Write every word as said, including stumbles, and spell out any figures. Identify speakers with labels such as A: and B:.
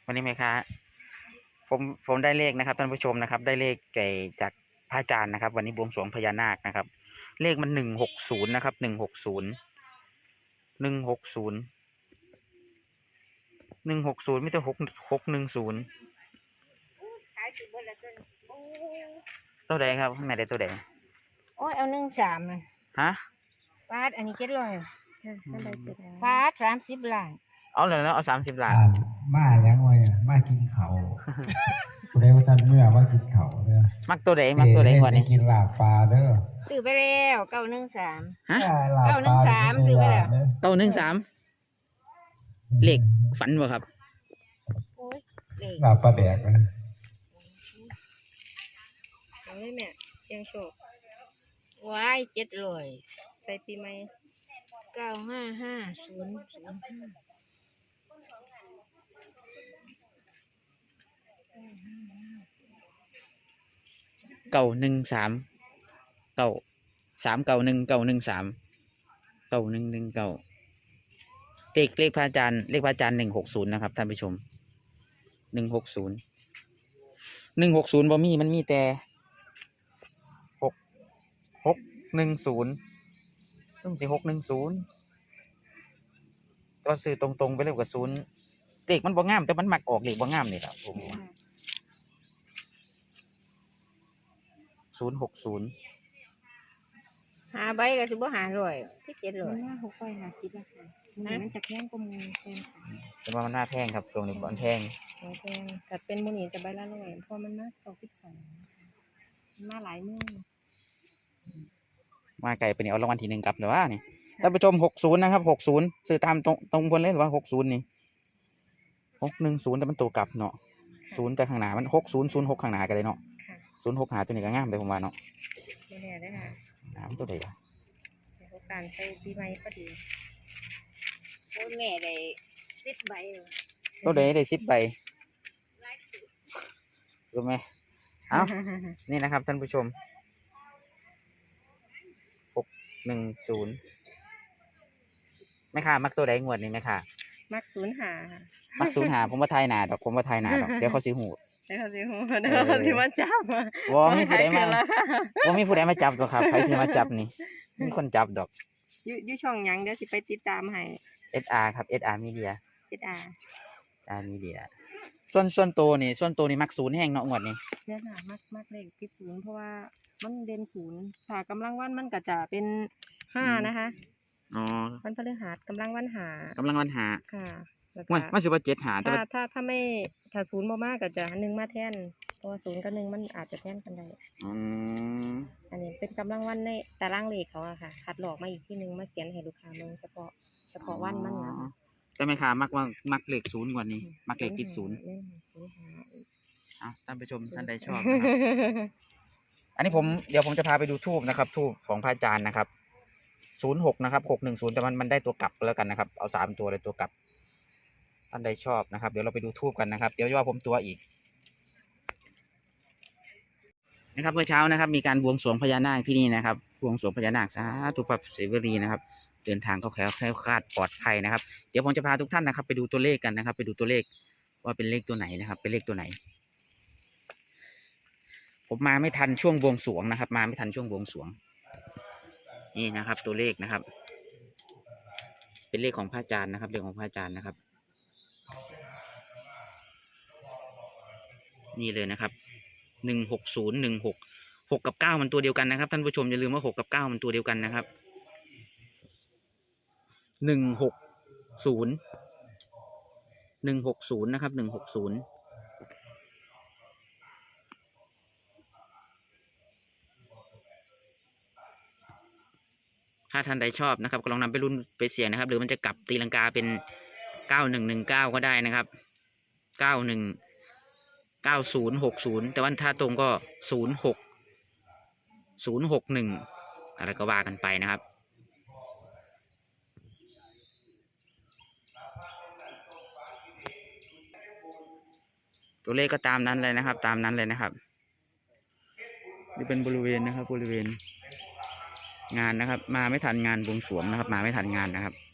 A: วันนี้ไหมคะผมผมได้เลขนะครับท่านผู้ชมนะครับ ได้เลขไก่จากพระอาจารย์นะครับ วันนี้บวงสรวงพญานาคนะครับ เลขมันหนึ่งหกศูนย์นะครับหนึ่งหกศูนย์หนึ่งหกศูนย์หนึ่งหกศูนย์ไม่ต้องหกหกหนึ่งศูนย์ตัวใดครับข้างในได้ตัวใด
B: โอ้ยเอาหนึ่งสามเลย
A: ฮะ
B: ฟาดอันนี้เจ็ดร้อยฟาดสามสิบล้าน
A: เอาเลยแล้วเอาสามสิบล้าน
C: มาแล้วไงมากินเขากูได้ว่าท่านเมื่อมากินเขาเด้อ
A: มักตัวใดมักตัวใดก่อนนี่
C: กินลาบปลาเด้อ
B: ซื้อไปแล้วเก้าหนึ่งสาม
A: ฮะ
B: เก้าหนึ่งสามซื้อไปแล้ว
A: เก้าหนึ่งสามเลขฝันบ่ครับ
C: ลาบปลาแดกนะ
B: เอาเลยแม่เสียงโชคว้ายเจ็ดร้อยใส่ปีใหม่เก้าห้าห้าศูนย์ศูนย์ห้า
A: เก้าหนึ่งสามเก้าสามเก้าหนึ่งเก้าหนึ่งสามเก้าหนึ่งหนึ่งเก้าเลขเลขพระอาจารย์เลขพระอาจารย์หนึ่งหกศูนย์นะครับท่านผู้ชมหนึ่งหกศูนย์หนึ่งหกศูนย์บ่มีมันมีแต่หกหกหนึ่งศูนย์ต้องสิหกหนึ่งศูนย์ก็ซื้อตรงๆไปเลยกับศูนย์เลขมันบ่งามแต่มันมักออกเลขบ่งามนี่แหละผมศูนย์หกศูนย์
B: หาใบก็สิบ่หาร้อยที่เจ็ดร้อยหกใบหาสิบราคามันจะแพงกว่ามูแพง
A: แต่ว่ามันน่าแพงครับตรงนี้มันแพง
B: แพงแต่เป็นมูนี่จะใบละร้อยเพราะมันมาสองสิบสองมาหลายมือ
A: มาไกลไปนี่เอารางวัลที่หนึ่งกลับหรือว่านี่ท่านผู้ชมหกศูนย์นะครับหกศูนย์ซื้อตามตรงตรงบนเลยหรือว่าหกศูนย์นี่หกหนึ่งศูนย์แต่มันตัวกลับเนาะศูนย์แต่ข้างหน้ามันหกศูนย์ศูนย์หกข้างหน้ากันเลยเนาะศูนย์หกหาตัวนี้ก็งามเลยผมว่าเนาะ
B: ไม่แน่ได้ค่ะ
A: น้ำตัวใดล่ะ
B: การใช้ปีใหม่ก็ดีโอ้แม่ได้สิบใบ
A: ตัวใดได้สิบใบรู้ไหมเอานี่นะครับท่านผู้ชมหกหนึ่งศูนย์ไม่ค่ะมักตัวใดงวดนี้ไหมค่ะ
B: มักศูนย์หา
A: มักศูนย์หาผมว่าไทยหนาดอกผมว่าไทยหนาดอกเดี๋ยวเขาสิหู
B: เดี๋ยวเขาสิหูเดี๋ยวเขาสิมาจับ
A: วอมีผู้ใดมาว่ามีผู้ใดมาจับตัวครับใครสิมาจับนี่มีคนจับดอก
B: ยูยูช่องยังเดี๋ยวสิไปติดตามให้
A: เอส อาร์ ครับ เอส อาร์ Media
B: เอส อาร์
A: อาร์ Media ส่วนส่วนตัวนี่ส่วนตัวนี่มักศูนย์แห้งเนาะงวดนี้
B: เนี่ยค่ะมักมักเลขติดศูนย์เพราะว่ามันเด่นศูนย์ค่ะกำลังวันมันก็จะเป็นห้านะคะ
A: อ๋อ
B: วันพฤหัสกำลังวันหาก
A: ำลังวันหา
B: ค่ะ
A: มันมันสิว่าเจ็ดหา
B: ถ้าถ้าถ้าไม่ถ้าศูนย์บ่มากก็จะหนึ่งมาแทนเพราะว่าศูนย์กับหนึ่งมันอาจจะแทนกันได้
A: อืม
B: อันนี้เป็นกำลังวันในตารางเลขเขาอะค่ะคัดหลอกมาอีกที่หนึ่งมาเขียนให้ลูกค้าเมืองเฉพาะเฉพาะวันมันนะ
A: แต่ไม่ค่ะมักว่ามักเลขศูนย์กว่านี้มักเลขติดศูนย์อ่ะท่านผู้ชมท่านใดชอบอันนี้ผมเดี๋ยวผมจะพาไปดูทูบนะครับทูบของพระอาจารย์นะครับศูนย์หกนะครับหกหนึ่งศูนย์แต่มันมันได้ตัวกลับแล้วกันนะครับเอาสามตัวเลยตัวกลับท่านใดชอบนะครับเดี๋ยวเราไปดูทูบกันนะครับเดี๋ยวว่าผมตัวอีกนะครับเมื่อเช้านะครับมีการบวงสรวงพญานาคที่นี่นะครับบวงสรวงพญานาคสาธุพระศิวลีนะครับเดินทางเข้าแคล้วแคล้วคลาดปลอดภัยนะครับเดี๋ยวผมจะพาทุกท่านนะครับไปดูตัวเลขกันนะครับไปดูตัวเลขว่าเป็นเลขตัวไหนนะครับเป็นเลขตัวไหนผมมาไม่ทันช่วงบวงสรวงนะครับมาไม่ทันช่วงบวงสรวงนี่นะครับตัวเลขนะครับเป็นเลขของพระอาจารย์นะครับเลขของพระอาจารย์นะครับนี่เลยนะครับหนึ่งหกศูนย์หนึ่งหกหกกับเก้ามันตัวเดียวกันนะครับท่านผู้ชมอย่าลืมว่าหกกับเก้ามันตัวเดียวกันนะครับหนึ่งหกศูนย์หนึ่งหกศูนย์นะครับหนึ่งหกศูนย์ถ้าท่านใดชอบนะครับก็ลองนำไปรุ่นไปเสี่ยงนะครับหรือมันจะกลับตีลังกาเป็นเก้าหนึ่งหนึ่งเก้าก็ได้นะครับเก้าหนึ่งเก้าศูนย์หกศูนย์แต่ว่าถ้าตรงก็ศูนย์หกศูนย์หกหนึ่งอะไรก็ว่ากันไปนะครับตัวเลขก็ตามนั้นเลยนะครับตามนั้นเลยนะครับนี่เป็นบริเวณนะครับบริเวณงานนะครับมาไม่ทันงานบวงสรวงนะครับมาไม่ทันงานนะครับ